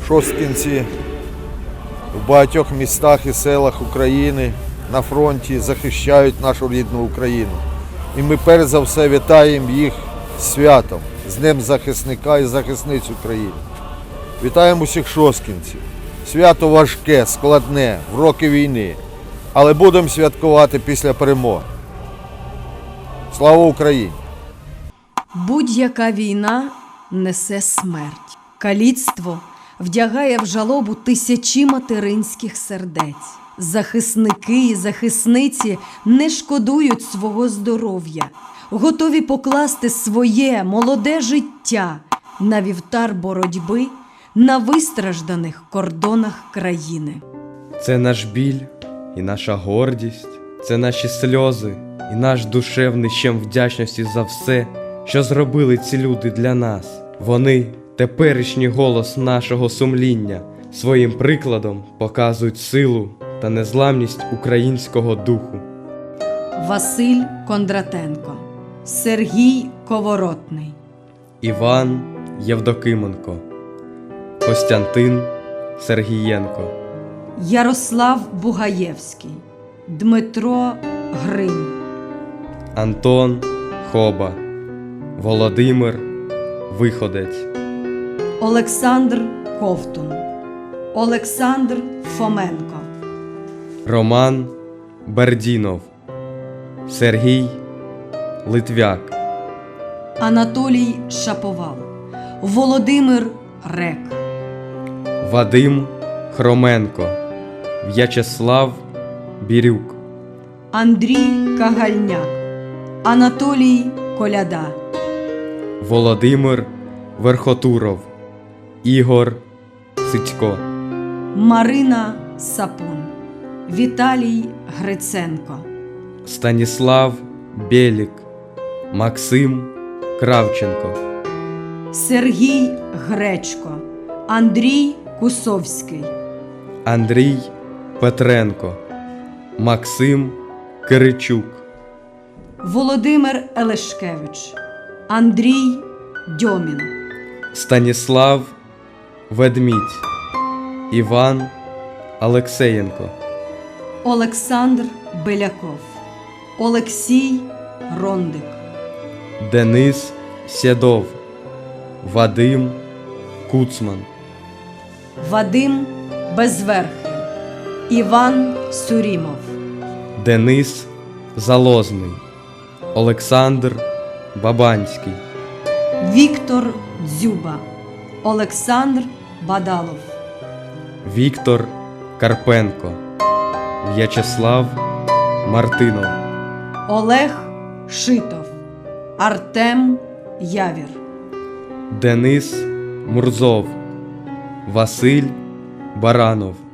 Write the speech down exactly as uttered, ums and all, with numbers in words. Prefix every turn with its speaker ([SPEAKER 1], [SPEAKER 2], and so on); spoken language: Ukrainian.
[SPEAKER 1] Шосткинці в багатьох містах і селах України на фронті захищають нашу рідну Україну. І ми перш за все вітаємо їх з святом, з Днем захисника і захисниць України. Вітаємо усіх шосткинців. Свято важке, складне, в роки війни, але будемо святкувати після перемоги. Слава Україні!
[SPEAKER 2] Будь-яка війна несе смерть. Каліцтво вдягає в жалобу тисячі материнських сердець. Захисники і захисниці не шкодують свого здоров'я, готові покласти своє молоде життя на вівтар боротьби на вистражданих кордонах країни.
[SPEAKER 3] Це наш біль і наша гордість, це наші сльози і наш душевний щем вдячності за все, що зробили ці люди для нас. Вони – теперішній голос нашого сумління, своїм прикладом показують силу та незламність українського духу.
[SPEAKER 2] Василь Кондратенко, Сергій Коворотний,
[SPEAKER 3] Іван Євдокименко, Костянтин Сергієнко,
[SPEAKER 2] Ярослав Бугаєвський, Дмитро Гринь,
[SPEAKER 3] Антон Хоба, Володимир Виходець,
[SPEAKER 2] Олександр Ковтун, Олександр Фоменко,
[SPEAKER 3] Роман Бердінов, Сергій Литвяк,
[SPEAKER 2] Анатолій Шаповал, Володимир Рек,
[SPEAKER 3] Вадим Хроменко, В'ячеслав Бірюк,
[SPEAKER 2] Андрій Кагальняк, Анатолій Коляда,
[SPEAKER 3] Володимир Верхотуров, Ігор Сицько,
[SPEAKER 2] Марина Сапун, Віталій Гриценко,
[SPEAKER 3] Станіслав Бєлік, Максим Кравченко,
[SPEAKER 2] Сергій Гречко, Андрій Кусовський,
[SPEAKER 3] Андрій Петренко, Максим Киричук,
[SPEAKER 2] Володимир Елешкевич, Андрій Дьомін,
[SPEAKER 3] Станіслав Ведмідь, Іван Алексеєнко,
[SPEAKER 2] Олександр Беляков, Олексій Рондик,
[SPEAKER 3] Денис Сєдов, Вадим Куцман,
[SPEAKER 2] Вадим Безверхий, Іван Сурімов,
[SPEAKER 3] Денис Залозний, Олександр Бабанський,
[SPEAKER 2] Віктор Дзюба, Олександр Бадалов,
[SPEAKER 3] Віктор Карпенко, В'ячеслав Мартинов,
[SPEAKER 2] Олег Шитов, Артем Явір,
[SPEAKER 3] Денис Мурзов, Василь Баранов,